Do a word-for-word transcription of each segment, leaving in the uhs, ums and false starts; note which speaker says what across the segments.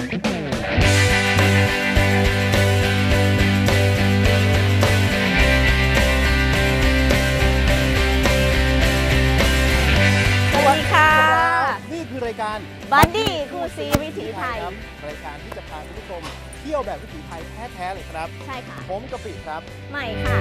Speaker 1: สวัสดีค่ะ
Speaker 2: นี่คือรายการ
Speaker 1: บัดดี้คู่ซีวิถีไทย
Speaker 2: ครับรายการที่จะพาคุณผู้ชมเที่ยวแบบวิถีไทยแท้ๆเลยครับ
Speaker 1: ใช่ค่ะ
Speaker 2: ผมกะปิครับ
Speaker 1: ใหม่ค่ะ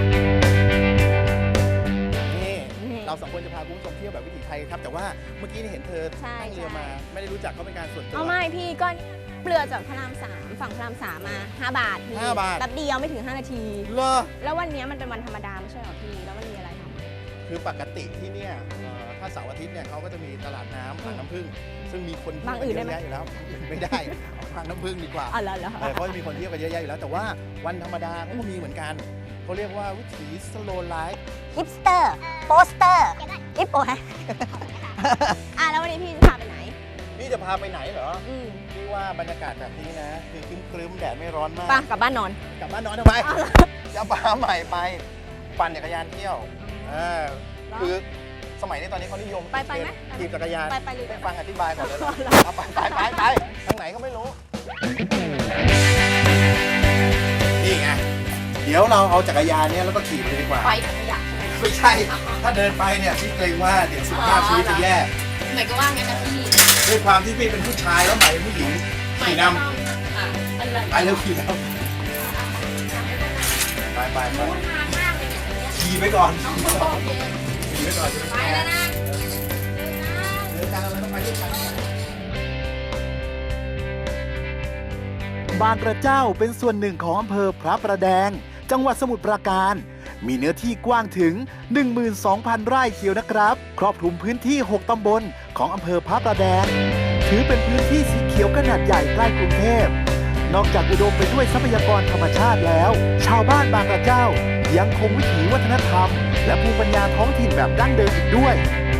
Speaker 2: นี่เราสองคนจะพาคุณผู้ชมเที่ยวแบบวิถีไทยครับแต่ว่าเมื่อกี้นี่เห็นเธอนั่งเรือมาไม่ได้รู้จักเขาเป็นการส่วนตัว
Speaker 1: เอาไม่พี่ก็เปลือจากพระรามสามฝั่งพระรามสามมาห้าบาทพี่
Speaker 2: ห้าบาท
Speaker 1: แป๊บเดียวไม่ถึงห้านาที
Speaker 2: เหรอ
Speaker 1: แล้ววันนี้มันเป็นวันธรรมดาไม่ใช่หรอพี่แล้วมันมีอะไรท
Speaker 2: ำคือปกติที่เนี่ยถ้าเสาร์อาทิตย์เนี่ยเขาก็จะมีตลาดน้ำบางน้ำผึ้งซึ่งมีคน
Speaker 1: บางอื่นได้ไหม
Speaker 2: อยู่แล้วไม่ได้บางน้ำผึ้งดีกว่า
Speaker 1: อ๋อเหรอเหรอ
Speaker 2: เขาจะมีคนเที่ยวกันเยอะแยะอยู่แล้วแต่ว่าวันธรรมดาเขาก็มีเหมือนกันเขาเรียกว่าวิถีสโลว์ไลฟ์
Speaker 1: ฮิปสเตอร์โปสเตอร์ฮิปโอฮะอ่ะแล้ววันนี้พี่จะพาไปไหน
Speaker 2: พี่จะพาไปไหนเหรอ
Speaker 1: อืม
Speaker 2: พี่ว่าบรรยากาศแบบนี้นะคือครึ้มๆแดดไม่ร้อนมาก
Speaker 1: ป่ะกลับบ้านนอน
Speaker 2: กลับบ้านนอนทำไมจะพาใหม่ไปปั่นจักรยานเที่ยวอ่าคือสมัยนี้ตอนนี้เขานิยม
Speaker 1: ไปไปไหม
Speaker 2: ขี่จักรยาน
Speaker 1: ไปไปเลย
Speaker 2: ไปฟังอธิบายก่อนเลยไปไปไปไปทางไหนก็ไม่รู้นี่ไงเดี๋ยวเราเอาจักรยานเนี่ยแล้วก็ขี่ไปเลยดีกว่า
Speaker 1: ไปขยะ
Speaker 2: ไม่ใช่ถ้าเดินไปเนี่ยพี่เกรงว่าเดี๋ยวสุขภาพชีวิตจะแย่
Speaker 1: หมายก็ว่างั้นนะพี่
Speaker 2: ด้วยความที่พี่เป็นผู้ชายแล้วใหม่เป็นผู้หญิงขี่นำไปเร็วขี่แล้วไปไปไปขี่ไปก่อนขี่ไปก่อนไปแล้วนะเดินทางเราต้องไปด้วยกันบางกระเจ้าเป็นส่วนหนึ่งของอำเภอพระประแดงจังหวัดสมุทรปราการมีเนื้อที่กว้างถึง หนึ่งหมื่นสองพัน ไร่เชียวนะครับครอบคลุมพื้นที่หกตำบลของอำเภอพระประแดงถือเป็นพื้นที่สีเขียวขนาดใหญ่ใกล้กรุงเทพนอกจากอุดมไปด้วยทรัพยากรธรรมชาติแล้วชาวบ้านบางกระเจ้ายังคงวิถีวัฒนธรรมและภูมิปัญญาท้องถิ่นแบบดั้งเดิมอีกด้วย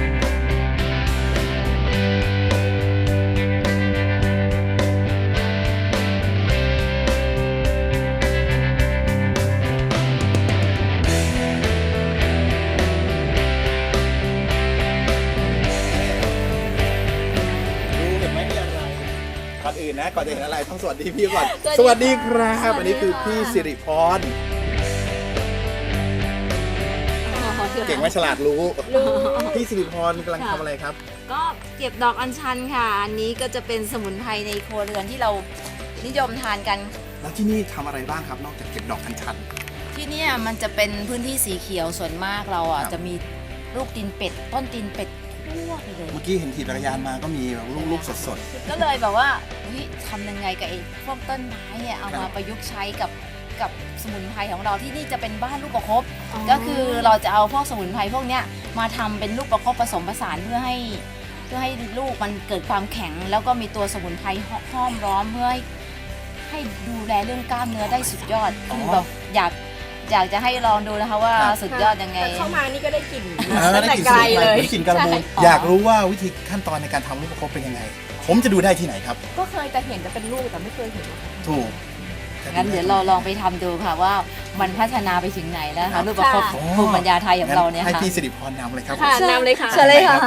Speaker 2: ก่อนอื่นนะก่อนจะเห็นอะไรต้องสวัสดีพี่ก่อนสวัสดีครับอันนี้คือพี่สิริพรเก่งไหมฉลาดรู้พี่สิริพรกำลังทำอะไรครับ
Speaker 3: ก็เก็บดอกอัญชันค่ะอันนี้ก็จะเป็นสมุนไพรในครัวเรือนที่เรานิยมทานกัน
Speaker 2: แล้วที่นี่ทำอะไรบ้างครับนอกจากเก็บดอกอัญชัน
Speaker 3: ที่นี่มันจะเป็นพื้นที่สีเขียวส่วนมากเราอ่ะจะมีลูกตีนเป็ดต้นตีนเป็ดทั่วไปเลย
Speaker 2: เมื่อกี้เห็นขี่จักรยานมาก็มีลูกๆสด
Speaker 3: ๆก็เลยแบบว่าทำยังไงกับไอ้พวกต้นไม้เนี่ยเอามาประยุกต์ใช้กับกับสมุนไพรของเราที่นี่จะเป็นบ้านลูกประคบก็คือเราจะเอาพวกสมุนไพรพวกเนี้ยมาทำเป็นลูกประคบผสมผสานเพื่อให้เพื่อให้ลูกมันเกิดความแข็งแล้วก็มีตัวสมุนไพรห้อมล้อมเพื่อให้ให้ดูแลเรื่องกล้ามเนื้อได้สุดยอดคือแบบอยากอยากจะให้ลองดูนะคะว่าสุดยอดยังไง
Speaker 1: เข้ามานี่ก็ได้กลิ่น
Speaker 2: ตั้งแต่ไกลเลยได้กลิ่นกระมูลอยากรู้ว่าวิธีขั้นตอนในการทำลูกประคบเป็นยังไงผมจะดูได้ที่ไหนครับ
Speaker 1: ก็เคยแต่เห็นจะเป็นลูกแต่ไม่เคยเห็น
Speaker 2: ถูก
Speaker 3: งั้นเดี๋ยวเราลองไปทำดูค่ะว่ามันพัฒนาไปถึงไหนแล้วคะลูกประคบภูมิปัญญาไทยของเราเนี่ยค่ะ
Speaker 2: ให้พี่สิริพรนำเลยครับ
Speaker 1: ค่ะนำเลยค่ะ
Speaker 3: เชิญเลยค่ะ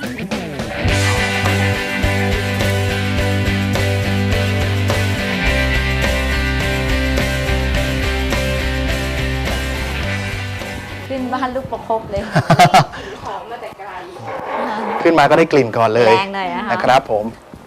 Speaker 3: ขึ้นบ้านลูกประคบเลย
Speaker 1: ของมาแต่ไกล
Speaker 2: ขึ้นมาก็ได้กลิ่นก่อนเลย
Speaker 3: แรงเลย
Speaker 2: นะครับผม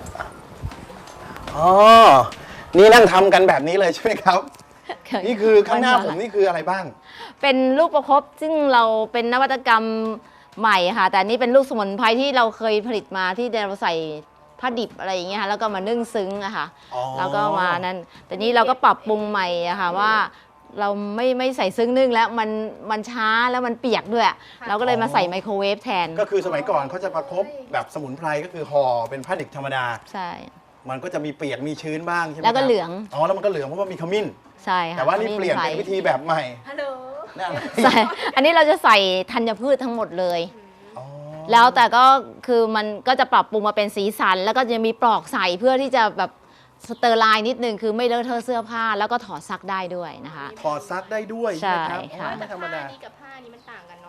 Speaker 2: อ๋อนี่นั่งทำกันแบบนี้เลยใช่ไหมครับนี่คือข้างหน้าผมนี่คืออะไรบ้าง
Speaker 3: เป็นลูกประคบซึ่งเราเป็นนวัตกรรมใหม่ค่ะแต่นี่เป็นลูกสมุนไพรที่เราเคยผลิตมาที่เราใส่ผ้าดิบอะไรอย่างเงี้ยค่ะแล้วก็มานึ่งซึ้งอะค่ะแล้วก็มานั้นแต่นี้เราก็ปรับปรุงใหม่อะค่ะว่าเราไม่ไม่ใส่ซึ้งนึ่งแล้วมันมันช้าแล้วมันเปียกด้วยเราก็เลยมาใส่ไมโครเวฟแทน
Speaker 2: ก็คือสมัยก่อนเขาจะประคบแบบสมุนไพรก็คือห่อเป็นผ้าดิบธรรมดา
Speaker 3: ใช่
Speaker 2: มันก็จะมีเปียกมีชื้นบ้างใช่ไหม
Speaker 3: แล้วก็เหลือง
Speaker 2: อ๋อแล้วมันก็เหลืองเพราะว่ามีขมิ้น
Speaker 3: ใช่ค่ะ
Speaker 2: แต่ว่านี่เปลี่ยนเป็นวิธีแบบใหม่
Speaker 1: ฮัลโหล
Speaker 3: ใส่อันนี้เราจะใส่ธัญพืชทั้งหมดเลยแล้วแต่ก็คือมันก็จะปรับปรุงมาเป็นสีสันแล้วก็จะมีปลอกใส่เพื่อที่จะแบบสเตอร์ไลน์นิดนึงคือไม่เลอะเทอะเสื้อผ้าแล้วก็ถอดซักได้ด้วยนะคะ
Speaker 2: ถอดซักได้ด้วย
Speaker 3: ใช่
Speaker 2: ค่ะ
Speaker 1: ไม่ธรรมดานี่กับผ้านี้มันต่างกันเนาะมันเป็น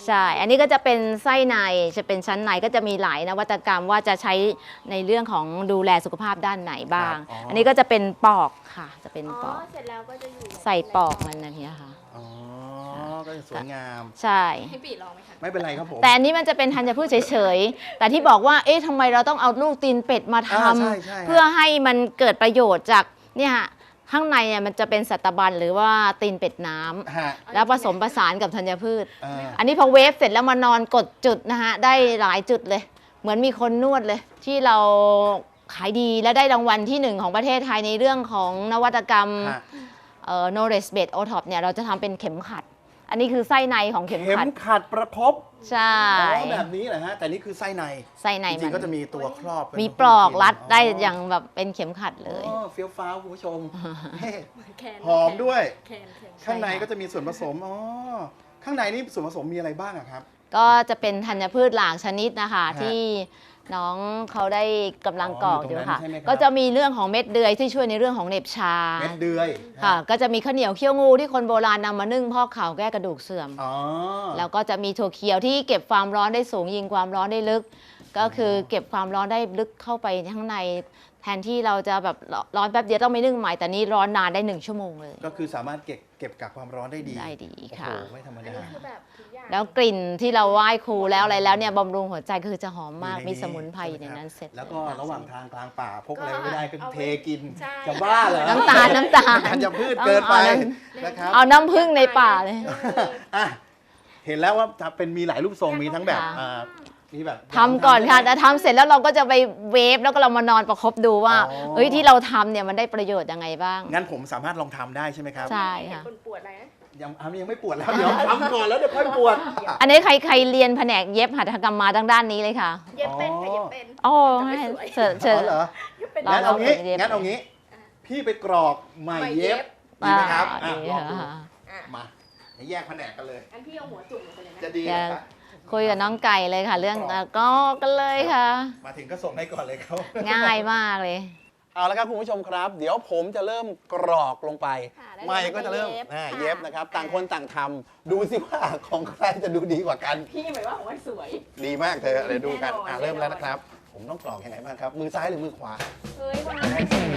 Speaker 3: ใช่ อันนี้ก็จะเป็นไส้ในจะเป็นชั้นในก็จะมีหลายนวัตกรรมว่าจะใช้ในเรื่องของดูแลสุขภาพด้านไหนบ้าง
Speaker 2: ครับอ๋ออั
Speaker 3: อันนี้ก็จะเป็นปอกค่ะจะเป็นปอก
Speaker 1: เสร็จแล้วก็จะอยู่
Speaker 3: ใส่ปอกมันนะเนี่ยค่ะ
Speaker 2: อ๋อก็จะสวยงาม
Speaker 3: ใช่
Speaker 1: ให้ปีลองไหมคะ
Speaker 2: ไม่เป็นไรครับผม
Speaker 3: แต่อันนี้มันจะเป็นธัญพืชเฉยๆ แต่ที่บอกว่า เอ๊ะทำไมเราต้องเอาลูกตีนเป็ดมาท
Speaker 2: อ่าใช่ใช่
Speaker 3: ำเพื่อให้มันเกิดประโยชน์จากเนี่ยข้างในเนี่ยมันจะเป็นสัตบันหรือว่าตีนเป็ดน้ำ
Speaker 2: ฮะ
Speaker 3: แล้วผสมผสานกับธัญพืช
Speaker 2: อ่า
Speaker 3: อันนี้พอเวฟเสร็จแล้วมานอนกดจุดนะฮะได้หลายจุดเลย เหมือนมีคนนวดเลย ที่เราขายดีและได้รางวัลที่หนึ่งของประเทศไทยในเรื่องของนวัตกรรม
Speaker 2: ฮะ
Speaker 3: เอ่อ knowledge based โอ ท็อป เนี่ยเราจะทำเป็นเข็มขัด อันนี้คือไส้ในของเข็ม
Speaker 2: เข็ม
Speaker 3: ขัด
Speaker 2: ขัดประคบ
Speaker 3: ใช่
Speaker 2: อ๋อแบบนี้เหรอฮะแต่นี่คือไส้ใน
Speaker 3: ไส้ใน
Speaker 2: จริ
Speaker 3: มั
Speaker 2: ง
Speaker 3: น
Speaker 2: ๆก็จะมีตัวครอบเป็น
Speaker 3: มีปลอกรัดได้อย่างแบบเป็นเข็มขัดเลย
Speaker 2: อ๋อเฟี้ยวฟ้าวคุณผู้ชมเฮ้
Speaker 1: แคน
Speaker 2: หอมด้วย
Speaker 1: แคนแคน
Speaker 2: ข้างในก็จะมีส่วนผสมอ๋อข้างในนี่ส่วนผสมมีอะไรบ้างอะครับ
Speaker 3: ก็จะเป็นธัญพืชหลากชนิดนะคะ
Speaker 2: ฮะ
Speaker 3: ที่น้องเขาได้กำลังกรอก
Speaker 2: อ๋อ
Speaker 3: อ
Speaker 2: อยู่
Speaker 3: ยู่
Speaker 2: ตรงนั้น
Speaker 3: ค่ะ
Speaker 2: ใช่ไหมครับ
Speaker 3: ก็จะมีเรื่องของเม็ดเดือยที่ช่วยในเรื่องของเหน็บชา
Speaker 2: เม็ดเดือย
Speaker 3: ค่ะ ก็จะมีข้าวเหนียวเคี่ยวงูที่คนโบราณนำมานึ่งพอกเข่าแก้กระดูกเสื่อม
Speaker 2: อ๋อ
Speaker 3: แล้วก็จะมีถั่วเขียวที่เก็บความร้อนได้สูงยิงความร้อนได้ลึก ก็คือเก็บความร้อนได้ลึกเข้าไปข้างใน แทนที่เราจะแบบร้อนแป๊บเดียวต้องไปนึ่งใหม่แต่นี้ร้อนนานได้หนึ่งชั่วโมงเลย
Speaker 2: ก็คือสามารถเก็บเก็บกักความร้อนได้ดี
Speaker 3: ได้ดี
Speaker 2: โอ้
Speaker 3: ค่ะ
Speaker 2: โหไม่ธรรมดา
Speaker 1: คือแบบทุกอย่าง
Speaker 3: แล้วกลิ่นที่เราไหว้ครูแล้วอะไรแล้วเนี่ยบำรุงหัวใจคือจะหอมมาก
Speaker 2: อยู่ใน
Speaker 3: มีสมุนไพร
Speaker 2: ใช่
Speaker 3: อยู่
Speaker 2: ไหม
Speaker 3: ใน
Speaker 2: ครับ
Speaker 3: นั้นเสร็จ
Speaker 2: แล้วก็
Speaker 3: เย
Speaker 2: ระหว่างทางกลางป่าพกอะไร
Speaker 1: ก็
Speaker 2: ไม่ได้ก็
Speaker 1: เอาไว้
Speaker 2: เทกิน
Speaker 1: ใช่
Speaker 2: จะบ้าเหรอ
Speaker 3: น้ำตาลน้ำตาล
Speaker 2: ธัญพืชเกินไป
Speaker 3: เอาน้
Speaker 2: นะครับ
Speaker 3: เอาน้ำผึ้งในป่าเลย
Speaker 2: อ่ะเห็นแล้วว่าจะเป็นมีหลายรูปทรงมีทั้งแบบ
Speaker 3: ค่ะ
Speaker 2: อ่ามีแบบ
Speaker 3: ทำก่อนค่ะแต่ทำเสร็จแล้วเราก็จะไปเวฟแล้วก็เรามานอนประคบดูว่า
Speaker 2: อ๋อ
Speaker 3: เอ้ยที่เราทำเนี่ยมันได้ประโยชน์ยังไงบ้าง
Speaker 2: งั้นผมสามารถลองทำได้ใช่ไหมครับ
Speaker 3: ใช่ค่ะ
Speaker 1: คนปวดอะไรนะ
Speaker 2: ยังอ่ะยังไม่ปวดแล้วเดี๋ยวทำก่อนแล้วเดี๋ยวค่อยปวด
Speaker 3: อันนี้ใครใครเรียนแผนกเย็บหัตถกรรมมาทางด้านนี้เลยค่ะ
Speaker 1: เย็บเป็นค่ะเย็บเป็น
Speaker 3: โอ้
Speaker 1: แต่ไม่
Speaker 3: ให้
Speaker 1: สวย
Speaker 3: เชิญเชิญ
Speaker 2: อ๋อเหรอ
Speaker 1: เย็บเป็น
Speaker 3: ลอง
Speaker 2: งั้นเอางี้
Speaker 3: เย็บ
Speaker 2: งั้นเอางี้ พี่ไปกรอกไหมเย็บ
Speaker 1: ไหม
Speaker 2: ดีไหมครับ
Speaker 3: อ่า
Speaker 2: อ่ะ
Speaker 3: ดี
Speaker 2: ลองดู
Speaker 3: ค่ะ
Speaker 1: อ่ะ
Speaker 2: มาให้แยกแผนกกันเลย
Speaker 1: อันพี่เอาหัวจุ่มลงไปเลยนะ
Speaker 2: จะดี
Speaker 3: เดี๋ยว
Speaker 2: นะครับ
Speaker 3: คุยกับน้องไก่เลยค่ะ เรื่องอ่ะก็กันเลยค่ะ
Speaker 2: มาถึงก็ส่งให้ก่อนเลยครับ
Speaker 3: ง่ายมากเลย
Speaker 2: เอาละครับคุณผู้ชมครับ เดี๋ยวผมจะเริ่มกรอกลงไป
Speaker 1: ค่ะแล้ว
Speaker 2: ไม่ก็จะเริ่ม
Speaker 1: เย็บ
Speaker 2: อ่า
Speaker 1: ค่ะ
Speaker 2: เย็บนะครับ ต่างคนต่างทำดูสิว่าของใครจะดูดีกว่ากัน
Speaker 1: พี่หมายว่าของมันสวย
Speaker 2: ดีมากเธอเดี๋ยวดูกัน
Speaker 1: แน่นอน
Speaker 2: อ่าเริ่มแล้ว
Speaker 1: แน่นอน
Speaker 2: นะครับ ผมต้องกรอกยังไงบ้างครับ มือซ้ายหรือมือขวา
Speaker 1: เฮ้ยวันนั้น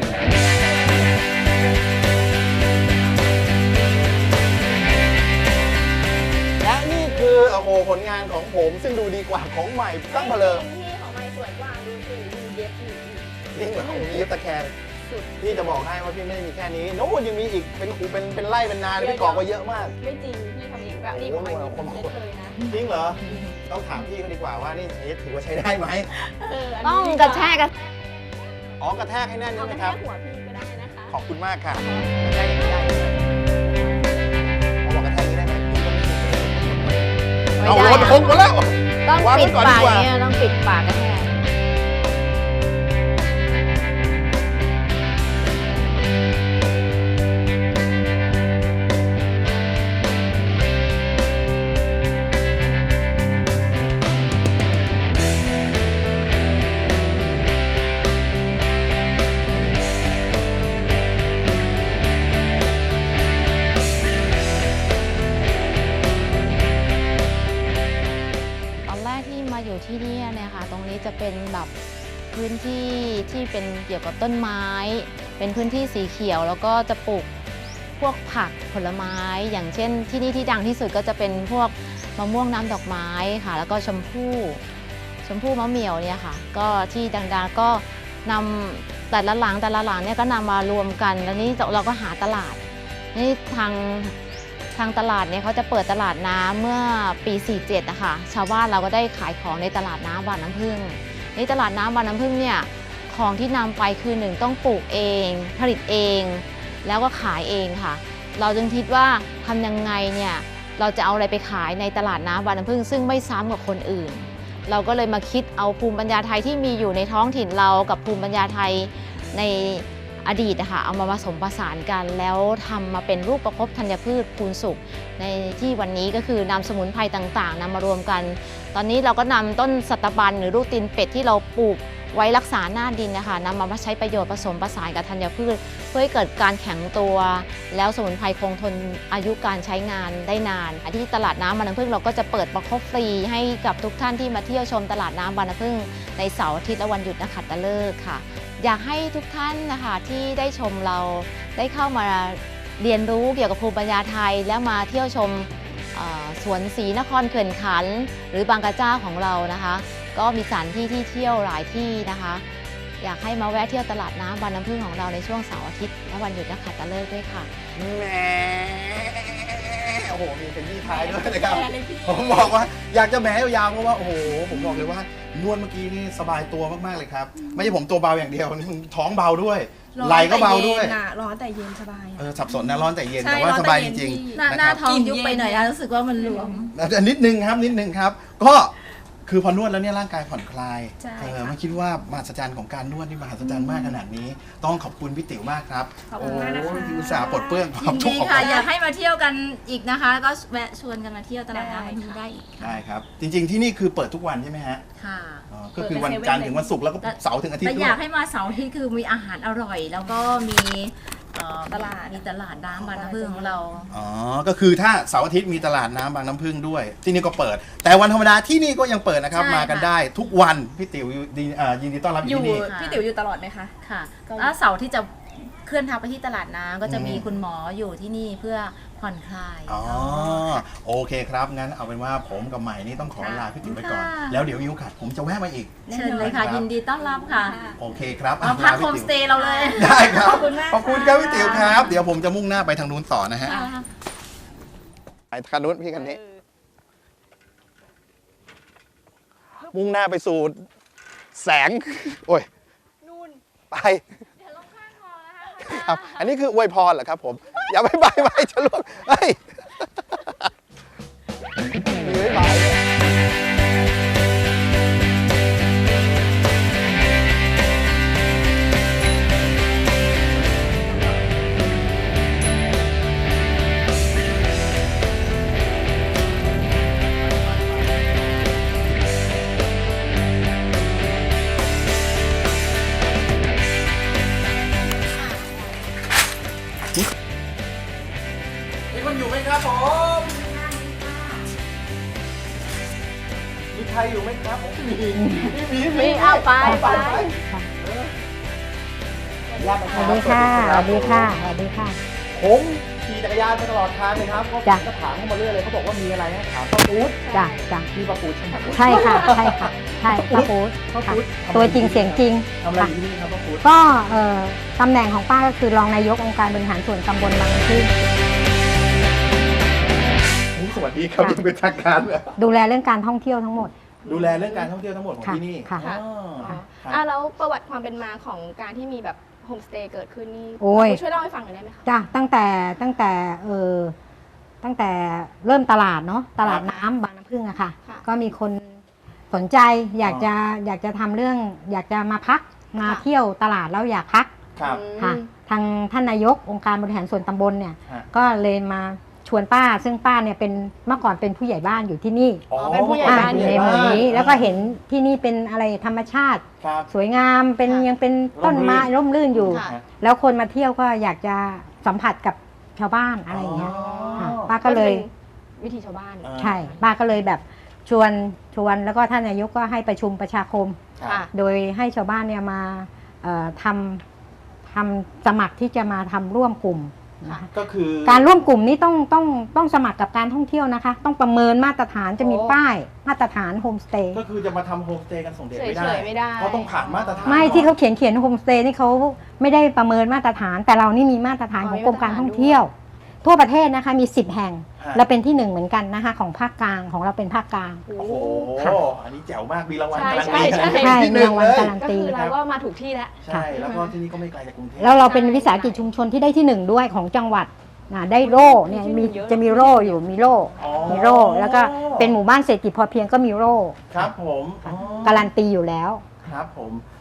Speaker 2: และนี่คือโอ้โหผลงานของผมซึ่งดูดีกว่าของใหม่ตั้งมาเลย
Speaker 1: พี่ของไม้สวยกว่าดูสิดูเย็บอยู่
Speaker 2: จริงเหรอผมมีเย็บตะแคง
Speaker 1: สุด
Speaker 2: พี่จะบอกให้ว่าพี่ไม่ได้มีแค่นี้โน้ตยังมีอีกเป็นหูเป็นเป็นไร่เป็นนาเลยพี่กรอกไว้เยอะมาก
Speaker 1: ไม่จริงพี่ทำเองแบบนี้ของไม้เย็บเย็บเลยนะ
Speaker 2: จริงเหรอ ต้องถามพี่เขาดีกว่าว่านี่เอ๊ะถือว่าใช้ได้ไหม
Speaker 1: เอออัน
Speaker 3: ต้
Speaker 1: นี้
Speaker 3: องกระแทกกัน
Speaker 2: อ๋อกระแทกให้แน่น
Speaker 1: เอา
Speaker 2: ใช่ไหม
Speaker 1: ไป
Speaker 2: ครับ
Speaker 1: แค่หัวพี่ก็ได้นะคะ
Speaker 2: ขอบคุณมากค่ะกระแทกอย่างนี้ได้เลยเอาบอกกระแทกอย่างนี้ได้ไหมพี่ก็ไม่รู้
Speaker 3: ไม่
Speaker 2: เอา
Speaker 3: ได้
Speaker 2: รถ
Speaker 3: อะ
Speaker 2: หกมาแล้ว
Speaker 3: ต้อง
Speaker 2: วางไว้
Speaker 3: ปิด
Speaker 2: ก่อน
Speaker 3: ปาก
Speaker 2: ดีกว่า
Speaker 3: อย่างเงี้ยต้องปิดปากกระแทก ตอนแรกที่มาอยู่ที่นี่เนี่ยค่ะ ตรงนี้จะเป็นแบบพื้นที่ที่เป็นเกี่ยวกับต้นไม้ เป็นพื้นที่สีเขียว แล้วก็จะปลูกพวกผักผลไม้ อย่างเช่นที่นี่ที่ดังที่สุดก็จะเป็นพวกมะม่วงน้ำดอกไม้ค่ะ แล้วก็ชมพู่ชมพู่มะเหมี่ยวเนี่ยค่ะ ก็ที่ดังๆก็นำแต่ละหลังแต่ละหลังเนี่ยก็นำมารวมกัน แล้วนี้เราก็หาตลาดนี่ทาง ทางตลาดเนี่ยเขาจะเปิดตลาดน้ำเมื่อปี สี่เจ็ด นะคะชาวบ้านเราก็ได้ขายของในตลาดน้ำบางน้ำพึ่งในตลาดน้ำบางน้ำพึ่งเนี่ยของที่นำไปคือหนึ่งต้องปลูกเอง ผลิตเอง แล้วก็ขายเองค่ะ เราจึงคิดว่าทำยังไงเนี่ยเราจะเอาอะไรไปขายในตลาดน้ำบางน้ำพึ่งซึ่งไม่ซ้ำกับคนอื่น เราก็เลยมาคิดเอาภูมิปัญญาไทยที่มีอยู่ในท้องถิ่นเรากับภูมิปัญญาไทยในอดีตนะคะเอามาผสมผสานกันแล้วทำมาเป็นรูปประคบธัญพืชคูณสุขในที่วันนี้ก็คือนำสมุนไพรต่างๆนำมารวมกัน ตอนนี้เราก็นำต้นสัตบันหรือลูกตีนเป็ดที่เราปลูกไว้รักษาหน้าดินนะคะนำมาใช้ประโยชน์ผสมผสานกับธัญพืชเพื่อให้เกิดการแข็งตัว แล้วสมุนไพรคงทนอายุการใช้งานได้นานที่ตลาดน้ำบางน้ำพึ่งเราก็จะเปิดประคบฟรีให้กับทุกท่านที่มาเที่ยวชมตลาดน้ำบางน้ำพึ่งในเสาร์อาทิตย์และวันหยุดนักขัตฤกษ์ค่ะอยากให้ทุกท่านนะคะที่ได้ชมเราได้เข้ามาเรียนรู้เกี่ยวกับภูมิปัญญาไทยแล้วมาเที่ยวชมสวนศรีนครเขื่อนขันธ์หรือบางกระเจ้าของเรานะคะก็มีสถานที่ที่เที่ยวหลายที่นะคะอยากให้มาแวะเที่ยวตลาดน้ำบางน้ำพึ่งของเราในช่วงเสาร์อาทิตย์และวันหยุดนักขัตฤกษ์ด้วยค่ะ
Speaker 2: แหมโอ้โหมีเป็นที่ท้ายด้วยนะครับผมบอกว่าอยากจะแหมยาวๆเพราะว่าโอ้โหผมบอกเลยว่านวดเมื่อกี้นี่สบายตัวมากๆเลยครับไม่ใช่ผมตัวเบาอย่างเดียวนี่ท้องเบาด้วยไหล่ก็เบาด้วย
Speaker 4: ร้อนแต่เย็นสบาย
Speaker 2: เออสับสนนะร้อนแต่เย็นแต่ว่าสบายจริงๆ
Speaker 3: หน้าท้องยุบไปหน่อยนะรู้สึกว่ามันหลวม
Speaker 2: นิดนึงครับนิดนึงครับก็คือพอนวดแล้วเนี่ยร่างกายผ่อนคลายเออไม่คิดว่ามหัศจรรย์ของการนวดนี่มหัศจรรย์มากขนาดนี้ต้องขอบคุณพี่ติ๋วมากครับ
Speaker 4: ขอบคุณมากนะคะ
Speaker 2: อุตส่าห์ปลดเปลื้องความ
Speaker 3: ทุกข์ค่ะอยากให้มาเที่ยวกันอีกนะคะก็แวะชวนกันมาเที่ยวตลาดน้ำนี้ได้อีก
Speaker 2: ได้ครับจริงๆที่นี่คือเปิดทุกวันใช่ไหมฮะ
Speaker 3: ค่ะ
Speaker 2: ก็คือวันจันทร์ถึงวันศุกร์แล้วก็เสาร์ถึงอาทิตย์
Speaker 3: แต่อยากให้มาเสาร์อาทิตย์คือมีอาหารอร่อยแล้วก็มีตลาดมีตลาดน้ำบางน้ำพึ่งของเรา
Speaker 2: อ๋อก็คือถ้าเสาร์อาทิตย์มีตลาดน้ำบางน้ำพึ่งด้วยที่นี่ก็เปิดแต่วันธรรมดาที่นี่ก็ยังเปิดนะครับมากันได้ทุกวันพี่ติ๋วยินดีต้อนรับอยู่ที่นี่
Speaker 4: พี่ติ๋วอยู่ตลอดไหมคะ
Speaker 3: ค่ะแล้วเสาร์ที่จะเคลื่อนทัพไปที่ตลาดน้ำก็จะมีคุณหมออยู่ที่นี่เพื่อผ่อนคลาย
Speaker 2: อ๋อโอเคครับงั้นเอาเป็นว่าผมกับใหม่นี่ต้องขอลาพี่ติ๋วไปก่อนแล้วเดี๋ยวมีโอกาสผมจะแวะมาอีก
Speaker 3: เชิญเลยค่ะยินดีต้อนรับค่ะ
Speaker 2: โอเคครับ
Speaker 3: มาพักโฮมสเตย์เราเลย
Speaker 2: ได้ครับขอบคุณมากขอบคุณครับพี่ติ๋วครับเดี๋ยวผมจะมุ่งหน้าไปทางนู้นต่อนะฮะไปทางนู้นพี่กันนี้มุ่งหน้าไปสู่แสงโอ้ยนู่นไปครับอันนี้คืออวยพรเหรอครับผมอย่าไปไปไปจะล่วงเฮ้ยมีไว้ไปอยู่ไหมครับผมมีใครอยู่ไหมครับผมมีมีมี
Speaker 3: มีเอาไปไป
Speaker 1: สวัสดีค่ะสวัสดีค่ะสวัสดีค่ะ
Speaker 2: ผมขี่จักรยานมาตลอดทางเลยครับเขาก็ถามเข้ามาเรื่อยเลยเขาบอกว่ามีอะไรนะถามป้าปู๊ด
Speaker 1: จ้ะจ้ะ
Speaker 2: มีป้าปู๊ดใช่ไหม
Speaker 1: ใช่ค่ะใช่ค่ะใช่ป้าปู๊ด
Speaker 2: ป้าปู๊ด
Speaker 1: ตัวจริงเสียงจริง
Speaker 2: ทำอะไรอยู่ที่นี่ครับป้าปู๊ด
Speaker 1: ก็เอ่อตำแหน่งของป้าก็คือรองนายกองค์การบริหารส่วนตำบลบางน้ำพึ่ง
Speaker 2: สวัสดีครับเป็นทางการ
Speaker 1: ดูแลเรื่องการท่องเที่ยวทั้งหมด
Speaker 2: ดูแลเรื่องการท่องเที่ยวทั้งหมดของที่นี่
Speaker 1: ค่ะ
Speaker 4: อ่าแล้วประวัติความเป็นมาของการที่มีแบบโฮมสเตย์เกิดขึ้นนี่ช่วยเล่าให้ฟังหน่อยได้ไหมคะ
Speaker 1: จ้ะตั้งแต่ตั้งแต่เออตั้งแต่เริ่มตลาดเนาะตลาดน้ำบางน้ำพึ่งอะค่ะก็มีคนสนใจอยากจะอยากจะทำเรื่องอยากจะมาพักมาเที่ยวตลาดแล้วอยากพักค่ะทางท่านนายกองค์การบริหารส่วนตำบลเนี่ยก็เลยมาชวนป้าซึ่งป้าเนี่ยเป็นเมื่อก่อนเป็นผู้ใหญ่บ้านอยู่ที่นี่
Speaker 4: เป็นผู้ใหญ่บ้าน
Speaker 1: ในหมู่นี้แล้วก็เห็นที่นี่เป็นอะไรธรรมชาติสวยงามเป็นยังเป็นต้นไม้ร่มรื่นอยู่แล้วคนมาเที่ยวก็อยากจะสัมผัสกับชาวบ้านอะไรอย่างเงี้ยป้าก็เลย
Speaker 4: วิถีชาวบ้าน
Speaker 1: ใช่ป้าก็เลยแบบชวนชวนแล้วก็ท่านนายกก็ให้ประชุมประชาคมโดยให้ชาวบ้านเนี่ยมาทำทำสมัครที่จะมาทำร่วมกลุ่ม
Speaker 2: ก็คือ
Speaker 1: การร่วมกลุ่มนี้ต้องต้องต้องสมัครกับการท่องเที่ยวนะคะต้องประเมินมาตรฐานจะมีป้ายมาตรฐานโฮมสเตย์
Speaker 2: ก็คือจะมาทำโฮมสเตย์กันส่งเด็กไม่ได้เขาต้องผ่านมาตรฐาน
Speaker 1: ไม่ที่เขาเขียนเขียนโฮมสเตย์นี่เขาไม่ได้ประเมินมาตรฐานแต่เรานี่มีมาตรฐานของกรมการท่องเที่ยวทั่วประเทศนะคะมีสิบแห่งเราเป็นที่หนึ่งเหมือนกันนะคะของภาคกลางของเราเป็นภาคกลาง
Speaker 2: โอ้โหอันนี้แจ๋วมากมีรางวัล
Speaker 4: การันตี
Speaker 1: ใช่มีรางวัลการันตี
Speaker 4: เราก็มาถูกที่แล้ว
Speaker 2: ใช่แล้วก็ที่นี่ก็ไม่ไกลจากกรุงเทพ
Speaker 1: แล้วเราเป็นวิสาหกิจชุมชนที่ได้ที่หนึ่งด้วยของจังหวัดได้โล่เนี่ยมีจะมีโล่อยู่มีโล่มีโล่แล้วก็เป็นหมู่บ้านเศรษฐกิจพอเพียงก็มีโล่
Speaker 2: ครับผม
Speaker 1: การันตีอยู่แล้ว
Speaker 2: ครับผม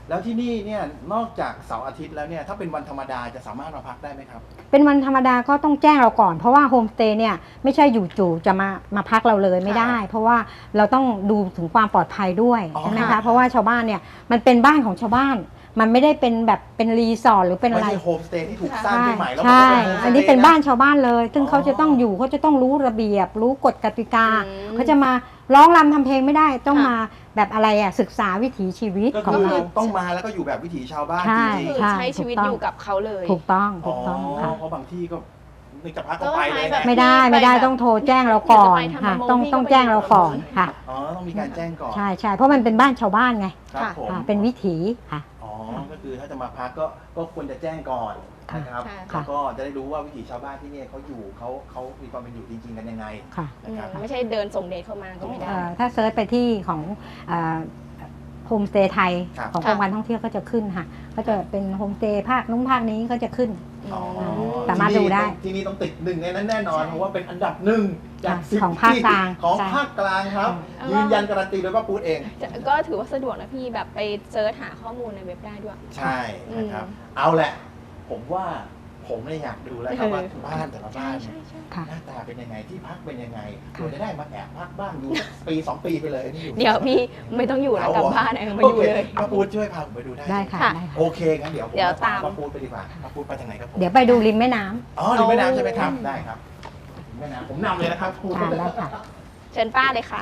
Speaker 2: แล้วที่นี่เนี่ยนอกจากเสาร์อาทิตย์แล้วเนี่ยถ้าเป็นวันธรรมดาจะสามารถมาพักได้ไหมครับ
Speaker 1: เป็นวันธรรมดาก็ต้องแจ้งเราก่อน เพราะว่าโฮมสเตย์เนี่ยไม่ใช่อยู่จู่จะมามาพักเราเลยไม่ได้ เพราะว่าเราต้องดูถึงความปลอดภัยด้วย
Speaker 2: อ๋อ
Speaker 1: ใช่ไหม
Speaker 2: ค่ะ
Speaker 1: คะเพราะว่าชาวบ้านเนี่ยมันเป็นบ้านของชาวบ้าน มันไม่ได้เป็นแบบเป็นรีสอร์ทหรือเป็นอะ
Speaker 2: ไม่
Speaker 1: ไร
Speaker 2: ใช่โฮมสเตย์ที่ถูกสร้าง
Speaker 1: ใช่
Speaker 2: ขึ้นใหม่แล้ว
Speaker 1: ใช่
Speaker 2: มันก็เป็นโฮมสเตย์
Speaker 1: อันนี้เป็นบ้านชาวบ้านเลย ซึ่ง
Speaker 2: อ๋อ
Speaker 1: เขาจะต้องอยู่เขาจะต้องรู้ระเบียบ รู้กฎกติกา
Speaker 4: อืม
Speaker 1: เขาจะมาร้องรำทำเพลงไม่ได้ต้อง
Speaker 4: ค่ะ
Speaker 1: มาแบบอะไรอ่ะศึกษาวิถีชีวิต
Speaker 2: ก็
Speaker 1: ของ
Speaker 2: คือ
Speaker 1: เรา
Speaker 2: ต้องมาแล้วก็อยู่แบบวิถีชาวบ้าน
Speaker 1: ใช่
Speaker 2: จริง
Speaker 4: คือ
Speaker 1: ใช่
Speaker 4: ใช้ชีวิต
Speaker 1: ถูกต้อง
Speaker 4: อยู่กับเขาเลย
Speaker 1: ถูกต้อง
Speaker 2: ๆ
Speaker 1: ถูกต้องค่ะ
Speaker 2: เพราะบางที่ก็นึกจะพักก็ไปเลย
Speaker 4: ก็
Speaker 2: นะ
Speaker 4: ไป
Speaker 1: ไม่ได้ไม่ได้ต้องโทรแจ้งเราก่อนค่ะ ต้องต้องแจ้งเราก่อนค่ะ
Speaker 2: อ๋อต้องมีการแจ้งก่อน
Speaker 1: ใช่ใช่เพราะมันเป็นบ้านชาวบ้านไง
Speaker 2: ครับผม
Speaker 1: ค่ะเป็นวิถีค่ะ
Speaker 2: อ๋อก็คือถ้าจะมาพักก็ก็ควรจะแจ้งก่อนนะครับ
Speaker 4: ค่ะ
Speaker 2: แล้วก็จะได้รู้ว่าวิถีชาวบ้านที่เนี่ยเขาอยู่เขาเขามีความเป็นอยู่จริงๆกันยังไง
Speaker 1: ค่ะ
Speaker 4: อื
Speaker 2: นะ
Speaker 4: ม
Speaker 2: ครับ
Speaker 4: ไม่ใช่เดินส่งเดทเข้ามาก็ไม่ได้
Speaker 1: เอ่อถ้าเซิร์ชไปที่ของโฮมสเตย์ไทย
Speaker 2: ครับ
Speaker 1: ของกรมการท่องเที่ยวก็จะขึ้นค่ะ ก็จะเป็นโฮมสเตย์ภาคนู้นภาคนี้ก็จะขึ้น
Speaker 2: อ๋อ
Speaker 1: สามารถดูได้
Speaker 2: ที่นี่ต้องติดหนึ่งในนั้นแน่นอน เพราะว่าเป็นอันดับหนึ่งจากสิบ
Speaker 1: ของภาคกลาง
Speaker 2: ของ
Speaker 1: ใช่
Speaker 2: ภาคกลางครับ
Speaker 4: ใช่
Speaker 2: ยืนยันการันตีโดยป้าปูดเอง
Speaker 4: จะก็ถือว่าสะดวกนะพี่แบบไปเซิร์ชหาข้อมูลในเว็บได้ด้วย
Speaker 2: ใช่นะครับ เอาแหละ ผมว่าผมเนี่ยอยากดูแล้วครับว่าบ้านแต่ละบ้านเนี่ย
Speaker 1: ค่ะ
Speaker 2: หน้าตาเป็นยังไงที่พักเป็นยังไง
Speaker 1: ค่ะ
Speaker 2: เราจะได้มาแอบพักบ้างอยู่สักปีสองปีไปเลยนี่อยู่
Speaker 4: เดี๋ยวพี่ไม่ต้องอยู่แล้วกลับบ้านเองมาอยู่เลย
Speaker 2: โคป้าปูดช่วยพาผมไปดูได้
Speaker 1: ได้ค่ะ
Speaker 4: ค่ะ
Speaker 1: ได้ค่ะ
Speaker 2: โอเคงั้นเดี๋ยวผม
Speaker 4: เดี๋ยว
Speaker 2: ตาม
Speaker 4: ตาม
Speaker 2: ป้าปูดไปดีกว่าป้าปูดไปทางไหนครับผม
Speaker 1: เดี๋ยวไปดูริมแม่น้ำ
Speaker 2: อ๋อริมแม่น้ำใช่ไหมครับได้ครับริมแม่น้ำผมนำเลยนะครับปูด
Speaker 1: อ่าได้ค่ะ
Speaker 4: เชิญป้าเลยค่ะ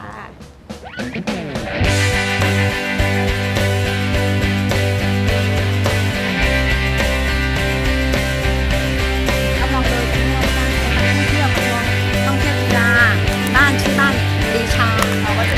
Speaker 1: กำลังเดินไปเที่ยวบ้านท่องเที่ยวมาท่องเที่ยวกีฬาบ้านชื่อบ้านปรีชาเราก็จะ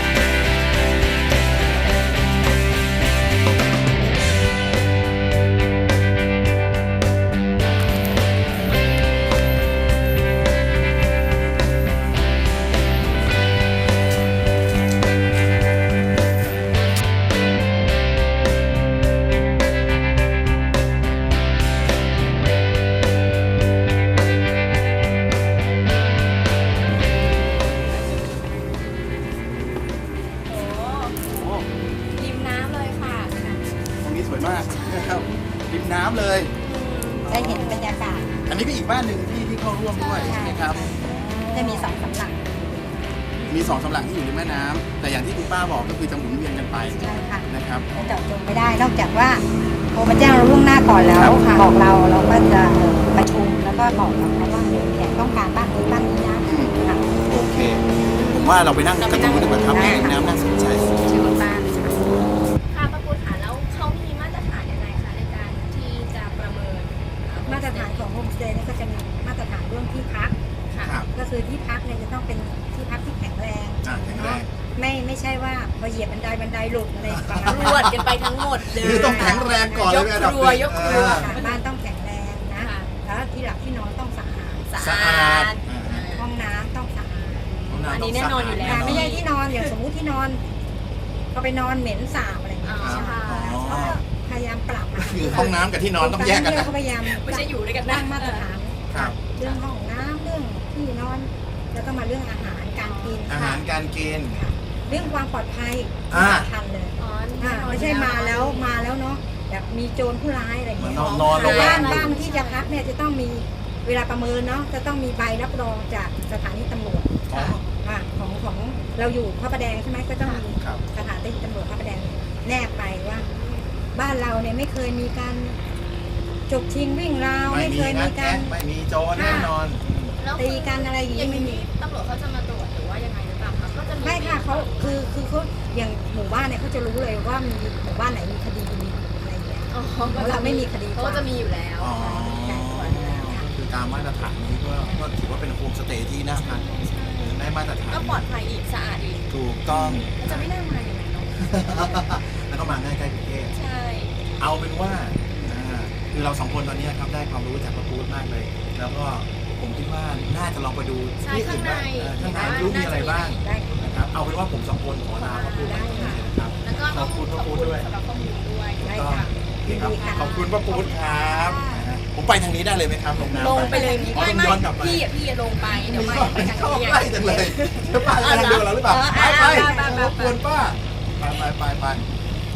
Speaker 3: ริมน้ำเลยค่ะ
Speaker 2: ตรงนี้สวยมากนะครับริมน้ำเลย
Speaker 1: ได้เห็นบรรยากาศ
Speaker 2: อันนี้ก็อีกบ้านหนึ่งที่ที่เข้าร่วมด้วยใช่ไหมครับ
Speaker 1: จะมีสองสำหรับ
Speaker 2: มีสองสำหลังที่อยู่ริมแม่น้ำแต่อย่างที่คุณป้าบอกก็คือจะหมุนเวียนกันไป
Speaker 1: ใช่ค่ะ
Speaker 2: นะครับ
Speaker 1: เจาะจงไม่ได้นอกจากว่าโทรมาแจ้งเราล่วงหน้าก่อนแล้ว
Speaker 2: ครับ
Speaker 1: บอกเราเราก็จะเอ่อประชุมแล้วก็บอกกับเขาว่าแขกต้องการบ้านนี้บ้านนี้นะค่ะ
Speaker 2: โอเค ผมว่าเราไปนั่งกันตรงนู้นดีกว่าครับ
Speaker 1: ได้
Speaker 2: ริม
Speaker 1: ค่ะ
Speaker 2: น้ำน่าสนใจ
Speaker 1: เชิญคุณป้า
Speaker 3: ค่ะประปูฐานแล้วเขามีมาตรฐานยังไงคะในการที่จะประเมิน
Speaker 1: มาตรฐานของโฮมสเตย์เนี่ยก็จะมีมาตรฐานเรื่องที่พัก
Speaker 2: ครับ
Speaker 1: ก็คือที่พักเนี่ยจะต้องเป็นที่พักที่แข็งแรง
Speaker 2: อ่ะแข็งแรง
Speaker 1: ไม่ไม่ใช่ว่าพอเหยียบบันไดบันไดหลุดอะไรประมาณ
Speaker 3: ร
Speaker 1: นั้น
Speaker 3: วดกันไปทั้งหมดเลย
Speaker 2: คือต้องแข็งแรงก่อนเลยเป็นอันดับห
Speaker 3: ยกครัว
Speaker 2: นึ่ง
Speaker 3: ยกครัว
Speaker 2: อ่า
Speaker 1: ค่ะบ้านต้องแข็งแรงนะ
Speaker 3: ค่ะ
Speaker 1: แล้วที่หลับที่นอนต้องสะอาด
Speaker 3: สะ
Speaker 2: สะ
Speaker 3: อา
Speaker 2: อาด
Speaker 3: ด
Speaker 2: อ่า
Speaker 1: ห้องน้ำต้องสะอาด
Speaker 2: ห้งำ
Speaker 3: อันนี้
Speaker 2: ต้ง
Speaker 3: แน่นอนอยู่แล้ว
Speaker 2: สะาด
Speaker 1: ไม่ใช่ที่นอนอย่างสมมุติที่นอนก็ไปนอนเหม็นสาบอะไรอย่างเงี้ย
Speaker 3: อ๋อค่ะ
Speaker 2: อ๋อ
Speaker 1: พยายามปรับอะ
Speaker 2: คือห้องน้ำกับที่นอนต้องแยกกันนะ
Speaker 1: เขาพยายาม
Speaker 3: ไม่ใช่อยู่ด้วยกันนะ
Speaker 1: ตั้งมาตรฐาน
Speaker 2: ครับ
Speaker 1: เรื่องห้องน้ำเรื่องที่นอน แล้วก็มาเรื่องอาหารการกิน
Speaker 2: อาหารการกิน
Speaker 1: ค่ะเรื่องความปลอดภัย
Speaker 2: อ่า
Speaker 1: สำคัญเลย
Speaker 3: อ๋อ
Speaker 1: อ่าไม่ใช่มาแล้วมาแล้วเนาะแบบมีโจรผู้ร้ายอะไรอย่าง
Speaker 2: เหมือน
Speaker 1: เงี้ย
Speaker 2: นอนนอนโรงแร
Speaker 1: บ้าน
Speaker 2: ม
Speaker 1: บ้านที่จะพักเนี่ยจะต้องมีเวลาประเมินเนาะจะต้องมีใบรับรองจากสถานีตำรวจ
Speaker 2: อ๋อ
Speaker 1: อ่าของของเราอยู่พระประแดงใช่ไหมก็ต้องมี
Speaker 2: ครับ
Speaker 1: สถานีตำรวจพระประแดงแนบไปว่า บ้านเราเนี่ยไม่เคยมีการจกชิงวิ่งราว
Speaker 2: ไม่
Speaker 1: ไม่
Speaker 2: มี
Speaker 1: เคย
Speaker 2: งั
Speaker 1: มี
Speaker 2: ด
Speaker 1: กา
Speaker 2: แก๊
Speaker 1: ร
Speaker 2: สไม่มีโจรแน่นอน
Speaker 3: แล้ว
Speaker 1: ตีกันอะไรอย่าง
Speaker 3: อ
Speaker 1: นี้
Speaker 3: ย่าง
Speaker 1: ไม่มี
Speaker 3: นี้ตำรวจเขาจะมาตรวจหรือว่ายังไงหรือเปล่าคะก็จะมี
Speaker 1: ไม่ค่ะเขาคือคือเขาอย่างหมู่บ้านเนี่ยเขาจะรู้เลยว่ามีหมู่บ้านไหนมีคดีมีอะไรอย่างเงี้ย
Speaker 3: อ๋อ
Speaker 1: เพราะเราไม่มีคดี
Speaker 3: เขาก็จะมีอยู่แล้ว
Speaker 2: อ๋อ
Speaker 1: การตรวจอยู่แล้วค่ะ
Speaker 2: คือตามมาตรฐานนี้ก็ก็ถือว่าเป็นโฮมสเตย์ที่น่าพักได้มาตรฐาน
Speaker 3: ก็ปลอดภัยอีกสะอาดอีก
Speaker 2: ถูกต้อง
Speaker 3: มันจะไม่น่ามาอย่างไรเนาะ
Speaker 2: แล้วก็มาง่ายใกล้กรุงเทพ
Speaker 3: ใช่
Speaker 2: เอาเป็นว่าอ่าคือเราสองคนตอนนี้ครับได้ความรู้จากพระพูดมากเลย แล้วก็ผมคิดว่าน่าจะลองไปดู
Speaker 3: ใช่
Speaker 2: ที่อื่นบ้างเออข้างในรู้มีอะไรบ้าง
Speaker 1: ได้ค่ะ
Speaker 2: นะครับเอาเป็นว่าผมสองคนขอลาพระพูด
Speaker 1: ได้ค่ะ
Speaker 2: ครับ
Speaker 3: แล้วก็
Speaker 2: ขอบคุณพระพูดด้วย
Speaker 3: สำหรับข้อมูลด้วย
Speaker 1: ได้
Speaker 2: ก็
Speaker 1: ค่ะ
Speaker 2: โอเคครับ
Speaker 1: ยินดีค่ะ
Speaker 2: ขอบคุณพระพูดครับ
Speaker 1: ค่ะ
Speaker 2: นะฮะผมไปทางนี้ได้เลยไหมครับลงน้ำ
Speaker 3: ลงไปเลย
Speaker 2: อ๋อ
Speaker 3: ไม่
Speaker 2: ต้อง
Speaker 3: ไม่
Speaker 2: ย้อนกลับไป
Speaker 3: พี่อ่ะพี่อ่ะลงไปเดี๋ยวไม่ไปทาง
Speaker 2: เข้า
Speaker 3: นี้
Speaker 2: ใกล้จังเลยเดี๋ยวป้ากำลังดูเราหรือเปล่า
Speaker 3: เออ
Speaker 2: ไป
Speaker 3: ไป
Speaker 2: ไป
Speaker 3: ไปไปไป
Speaker 2: รบกวนป้าไปไปไปไปไป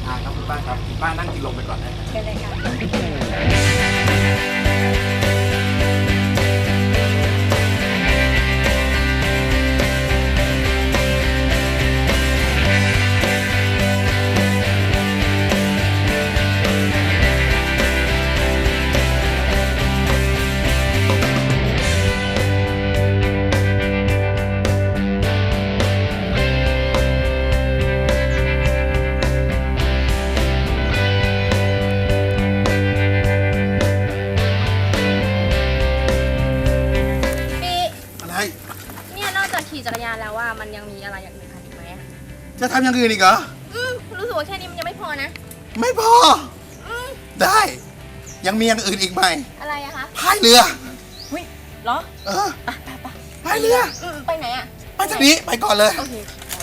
Speaker 2: อ่าครับคุณป้าครับคุณป้านั่งกินลมไปก่อนนะ
Speaker 1: เชิญเลยค่ะ
Speaker 4: พี่
Speaker 2: อะไร
Speaker 4: เนี่ยนอกจากขี่จักรยานแล้วว่ามันยังมีอะไรอย่างอื่นอีกไหมอะ
Speaker 2: จะทำอย่างอื่นอีกเหรอ
Speaker 4: อืมรู้สึกว่าแค่นี้มันยังไม่พอนะ
Speaker 2: ไม่พอ ได้ ยังมีอย่างอื่นอีกไหม
Speaker 4: อะไรอะคะ
Speaker 2: พายเรือ
Speaker 4: หุ้ยเหรอ
Speaker 2: เออพายเรือ
Speaker 4: อืมไปไหนอะ
Speaker 2: ไปทางนี้ไปก่อนเลย
Speaker 4: โอเค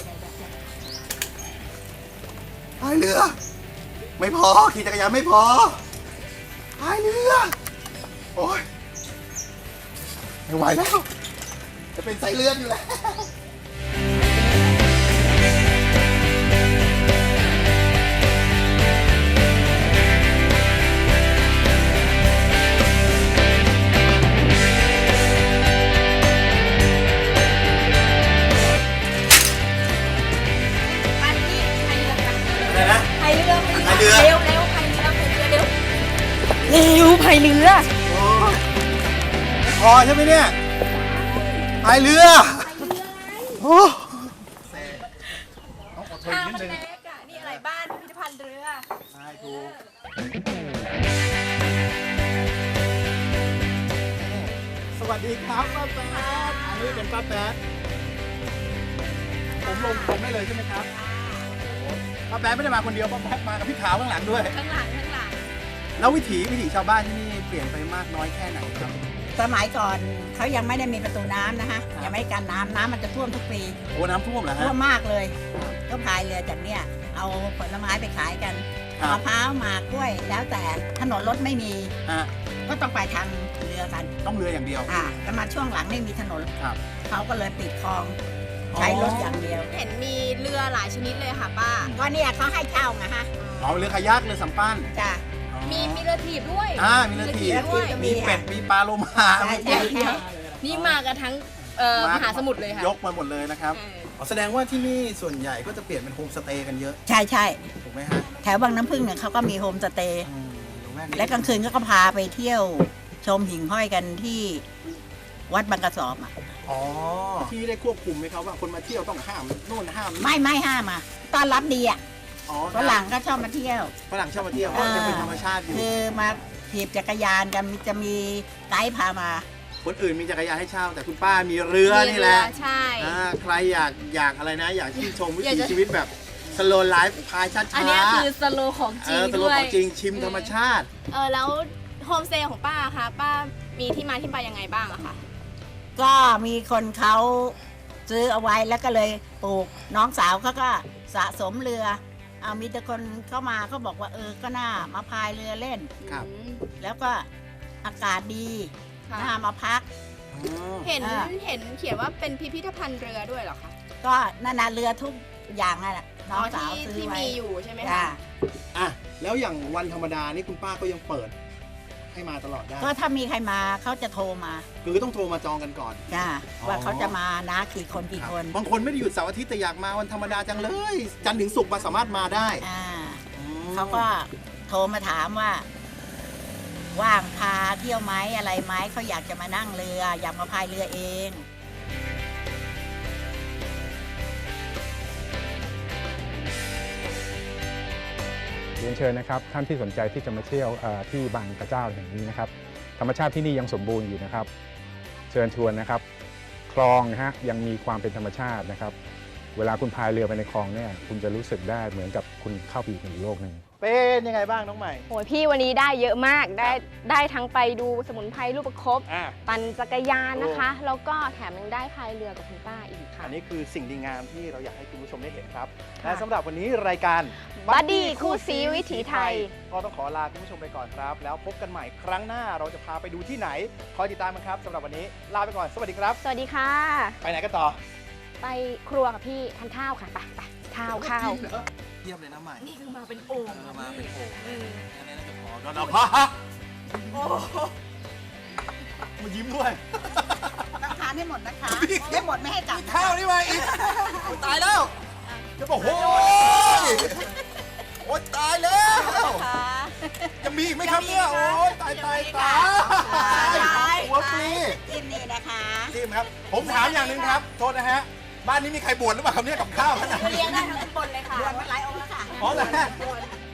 Speaker 2: พายเรือ ไม่พอขี่จักรยานไม่พอพายเรือโอ้ยไม่ไหวแล้วจะเป็นไส้เลื่อนอยู่แล้ว
Speaker 4: ไปพี่พายเรือกัน
Speaker 2: อะไรนะ
Speaker 4: พายเรือ
Speaker 2: พายเรือ
Speaker 4: เร็วเร็วพายเรือพายเรือเร็วเร็วพายเรือ
Speaker 2: โอ้ยไม่พอใช่ไหมเนี่ยพายเรือโอ้ต้องอดทน
Speaker 4: ทาง
Speaker 2: นิด
Speaker 4: มัน
Speaker 2: นึง
Speaker 4: เล็กอะนี่อะไรบ้านพิพิธภัณฑ์เรือ
Speaker 2: ใช่ถูกสวัสดีครับป้าแป๊ดอันนี้เป็นป้าแป๊ดผมลงผมได้เลยใช่ไหมครับป้าแป๊ดไม่ได้มาคนเดียวป้าแป๊ดมากับพี่ขาวข้างหลังด้วย
Speaker 4: ข้างหลังข้างหลัง
Speaker 2: แล้ววิถีวิถีชาวบ้านที่นี่เปลี่ยนไปมากน้อยแค่ไหนครับ
Speaker 5: สมัยก่อนเขายังไม่ได้มีประตูน้ำนะคะยังไม่กันน้ำน้ำมันจะท่วมทุกปี
Speaker 2: โอ้น้ำท่วมเหรอฮะ
Speaker 5: ท่วมมากเลย ก็พายเรือจากเนี่ยเอาผลไม้ไปขายกัน
Speaker 2: ครับ
Speaker 5: มะพร้าวหมากกล้วย แล้วแต่ถนนรถไม่มี
Speaker 2: ฮะ
Speaker 5: ก็ต้องไปทางเรือกัน
Speaker 2: ต้องเรืออย่างเดียว
Speaker 5: อ่าแต่มาช่วงหลังไม่มีถนน
Speaker 2: ครับ
Speaker 5: เขาก็เลยปิดคลองใช้รถอย่างเดียว
Speaker 4: เห็นมีเรือหลายชนิดเลยค่ะป้า
Speaker 5: ก็เนี่ยเขาให้เช่าไงฮะ
Speaker 2: อ๋อเรือคายักเรือสำปั้น
Speaker 5: จ้ะ
Speaker 2: อ๋อ
Speaker 4: มีมีเรือถีบด้วย
Speaker 2: อ่ามีเรือถีบ
Speaker 4: ด้วย
Speaker 2: มีเป็ดมีปลาโลมา
Speaker 5: ใช่ใช่ใช่
Speaker 4: นี่มากันทั้งเอ่อมหาสมุทรเลยค่ะ
Speaker 2: ยกมาหมดเลยนะครับ
Speaker 4: เออ
Speaker 2: อ๋อแสดงว่าที่นี่ส่วนใหญ่ก็จะเปลี่ยนเป็นโฮมสเตย์กันเยอะ
Speaker 5: ใช่ใช่
Speaker 2: ถูกไหมฮะ
Speaker 5: แถวบางน้ำพึ่งเนี่ยเขาก็มีโฮมสเตย์
Speaker 2: อืมอยู่แม่นี้
Speaker 5: และกลางคืนก็พาไปเที่ยวชมหิ่งห้อยกันที่วัดบางกระสอบอ่ะ
Speaker 2: อ๋อที่ได้ควบคุมไหมครับว่าคนมาเที่ยวต้องห้ามโน่นห้ามนี่
Speaker 5: ไม่ไม่ห้ามอ่ะต้อนรับดีอ่ะ
Speaker 2: อ๋อ
Speaker 5: ฝรั่งก็ชอบมาเที่ยว
Speaker 2: ฝรั่งชอบมาเที่ยวเพราะยังเป็นธรรมชาติอยู่
Speaker 5: คือมาถีบจักรยานกันมีจะมีไกด์พามา
Speaker 2: คนอื่นมีจักรยานให้เช่าแต่คุณป้ามีเรือนี่แหละ
Speaker 4: มีเรือใช่
Speaker 2: อ่าใครอยากอยากอะไรนะ อยากที่นชมวิ
Speaker 4: อยาก
Speaker 2: ถี
Speaker 4: จะ
Speaker 2: ชีวิตแบบสโลไลฟ์พายช้าๆ
Speaker 4: อันเนี้ยคือสโลของจ
Speaker 2: เอ
Speaker 4: ริง
Speaker 2: อสโล
Speaker 4: ด้วย
Speaker 2: ของจริงชิมธรรมชาติ
Speaker 4: เออแล้วโฮมสเตย์ของป้าคะป้ามีที่มาที่ไปยังไงบ้างอะคะ
Speaker 5: ก็มีคนเขาซื้อเอาไว้แล้วก็เลยปลูกน้องสาวเขาก็สะสมเรือเอามีแต่คนเข้ามาเขาบอกว่าเออก็น่ามาพายเรือเล่น
Speaker 2: ครับ
Speaker 4: อืม
Speaker 5: แล้วก็อากาศดี
Speaker 4: ค่ะ
Speaker 5: น่ามาพัก
Speaker 2: อ๋อ
Speaker 4: เห็น
Speaker 5: อ่า
Speaker 4: เห็นเขียนว่าเป็นพิพิธภัณฑ์เรือด้วยเหรอคะ
Speaker 5: ก็นานาเรือทุกอย่างนั่นแหละน้องสาว
Speaker 4: ที่
Speaker 5: ซื้อ
Speaker 4: ที่
Speaker 5: ไว้
Speaker 4: มีอยู่ใช่ไหม
Speaker 5: จ้ะ
Speaker 4: คะ
Speaker 2: อ่ะแล้วอย่างวันธรรมดานี่คุณป้าก็ยังเปิดให้มาตลอดได้
Speaker 5: ก็ถ้ามีใครมาเขาจะโทรมา
Speaker 2: คือต้องโทรมาจองกันก่อน
Speaker 5: จ้า
Speaker 2: อ๋อ
Speaker 5: ว่าเขาจะมานะกี่คนกี่
Speaker 2: ครับ
Speaker 5: คน
Speaker 2: บางคนไม่ได้หยุดเสาร์อาทิตย์แต่อยากมาวันธรรมดาจังเลย จันทร์ถึงศุกร์มาสามารถมาได้
Speaker 5: อ่า
Speaker 2: อืม
Speaker 5: เขาก็โทรมาถามว่า ว่างพาเที่ยวไหมอะไรไหมเขาอยากจะมานั่งเรือ อยากมาพายเรือเอง
Speaker 6: เรียนเชิญนะครับท่านที่สนใจที่จะมาเที่ยวเอ่อที่บางกระเจ้าแห่งนี้นะครับธรรมชาติที่นี่ยังสมบูรณ์อยู่นะครับ เชิญชวนนะครับ คลองนะฮะยังมีความเป็นธรรมชาตินะครับ เวลาคุณพายเรือไปในคลองเนี่ยคุณจะรู้สึกได้เหมือนกับคุณเข้าไปอยู่ในอีกโลกหนึ่ง
Speaker 2: เป็นยังไงบ้างน้องใหม่
Speaker 4: โอ้ยพี่วันนี้ได้เยอะมากได้ได้ทั้งไปดูสมุนไพรรูปประคบ
Speaker 2: อ่ะ
Speaker 4: ปั่นจักรยานนะคะ แล้วก็แถมยังได้พายเรือกับคุณป้าอีกค่ะ
Speaker 2: อันนี้คือสิ่งดีงามที่เราอยากให้คุณผู้ชมได้เห็นครับ
Speaker 4: ค่ะ
Speaker 2: และสำหรับวันนี้รายการ
Speaker 4: Buddy คู่ซีวิถีไทย
Speaker 2: ก็ต้องขอลาคุณผู้ชมไปก่อนครับ แล้วพบกันใหม่ครั้งหน้าเราจะพาไปดูที่ไหนคอยติดตามกันครับสำหรับวันนี้ลาไปก่อนสวัสดีครับ
Speaker 4: สวัสดีค่ะ
Speaker 2: ไปไหนกันต่อ
Speaker 4: ไปครัวกับพี่ทานข้าวค่ะ ไปไปข้าวข้าว
Speaker 2: จริงเหรอ
Speaker 7: ทียบเลยนะใหม่
Speaker 3: นี่คือมาเป็นโอ่ง
Speaker 7: เออมาเป็นโอ่ง
Speaker 3: เออ
Speaker 7: อันนี้น่าจะพอแล้วนะพ่อฮะ
Speaker 3: โอ้โห
Speaker 7: มายิ้มด้วย
Speaker 5: ต้องทานให้หมดนะคะ
Speaker 7: พี่
Speaker 5: ไม่หมดไม่ให้กลับ
Speaker 7: มี
Speaker 5: นะ
Speaker 7: ข้าวนี่มาอีกโอ้ยตายแล้วจะบอกโอ้ยโอ้ยตายแล้ว
Speaker 3: ค่ะ
Speaker 7: จะมีอีกไหมครับเนี่ยโอ้ยตายตายตาย
Speaker 5: ตาย
Speaker 7: หัวปลี
Speaker 5: กินนี่นะคะ
Speaker 7: ทีมครับ ผมถามอย่างหนึ่งครับ โทษนะฮะ บ้านนี้มีใครบวชหรือเปล่าครับเนี่ยกับข้าวขนาด
Speaker 3: ก็
Speaker 7: นี้
Speaker 3: เลี้ยงได้ทั้งตำบลเลยค่ะ
Speaker 5: บวชมาหลายองค์แล้วค่ะ
Speaker 7: อ๋อเหรอฮะ
Speaker 5: บวช